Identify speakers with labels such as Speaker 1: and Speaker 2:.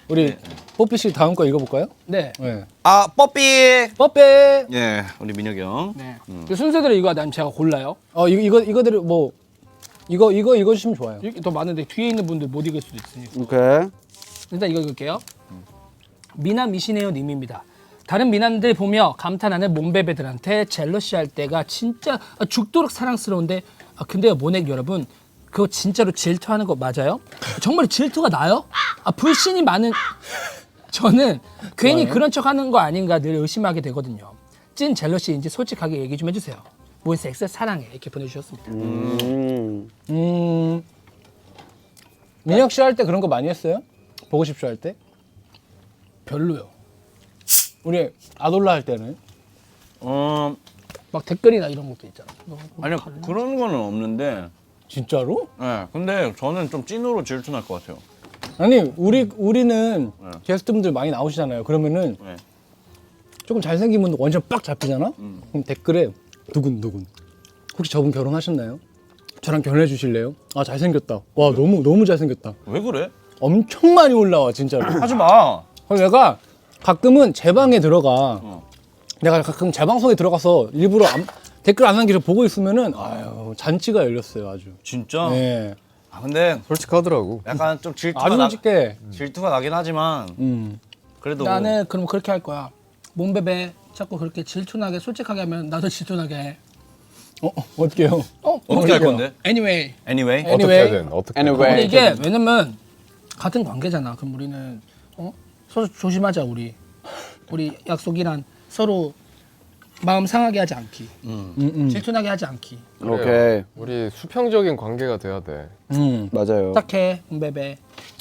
Speaker 1: 우리 뽀삐 씨 다음 거 읽어볼까요?
Speaker 2: 네.
Speaker 1: 네.
Speaker 3: 아 뽀삐.
Speaker 1: 뽀삐.
Speaker 3: 예, 우리 민혁이 형.
Speaker 2: 네. 그 순서대로 이거 아니면 제가 골라요.
Speaker 1: 이거대로 뭐 이거 읽어주시면 좋아요.
Speaker 2: 이렇게 더 많은데 뒤에 있는 분들 못 읽을 수도 있으니까.
Speaker 4: 오케이.
Speaker 2: 일단 이거 읽을게요. 미남 미시네요 님입니다. 다른 미남들 보며 감탄하는 몸베베들한테 젤러시할 때가 진짜 죽도록 사랑스러운데 근데요 모넥 여러분 그거 진짜로 질투하는 거 맞아요? 정말 질투가 나요? 불신이 많은 저는 괜히 그런 척하는 거 아닌가 늘 의심하게 되거든요. 찐 젤러시인지 솔직하게 얘기 좀 해주세요. 몬스엑스 사랑해 이렇게 보내주셨습니다.
Speaker 1: 민혁 씨 할 때 그런 거 많이 했어요? 보고 싶쇼 할 때?
Speaker 2: 별로요.
Speaker 1: 우리 아돌라 할 때는?
Speaker 2: 막 댓글이나 이런 것도 있잖아.
Speaker 3: 아니요 그런 거는 없는데.
Speaker 1: 진짜로?
Speaker 3: 예, 근데 저는 좀 찐으로 질투날 것 같아요.
Speaker 1: 아니 우리는 게스트분들 많이 나오시잖아요. 그러면은
Speaker 3: 네.
Speaker 1: 조금 잘생긴 분 원샷 빡 잡히잖아? 그럼 댓글에 누군 혹시 저분 결혼하셨나요? 저랑 결혼해 주실래요? 아 잘생겼다. 와 너무 잘생겼다.
Speaker 3: 왜 그래?
Speaker 1: 엄청 많이 올라와 진짜로.
Speaker 3: 하지 마.
Speaker 1: 그래서 내가 가끔은 제 방에 들어가. 내가 가끔 제 방송에 들어가서 일부러 댓글 안 남기고 보고 있으면은 아유 잔치가 열렸어요 아주.
Speaker 3: 진짜?
Speaker 1: 네.
Speaker 3: 아 근데
Speaker 4: 솔직하더라고.
Speaker 3: 약간 좀
Speaker 1: 아주 솔직해.
Speaker 3: 질투가 나긴 하지만 그래도
Speaker 2: 나는 그럼 그렇게 할 거야. 몸베베 자꾸 그렇게 질투나게 솔직하게 하면 나도 질투나게 해.
Speaker 1: 어떻게요?
Speaker 3: 어떻게 할 건데?
Speaker 2: Anyway.
Speaker 3: Anyway.
Speaker 4: 어떻게 해야든 어떻게.
Speaker 2: 근데 이게 왜냐면 같은 관계잖아. 그럼 우리는 서로 조심하자 우리 약속이란 서로 마음 상하게 하지 않기. 질투나게 하지 않기.
Speaker 4: 오케이.
Speaker 5: 우리 수평적인 관계가 돼야 돼.
Speaker 4: 맞아요.
Speaker 2: 딱해 몸베베.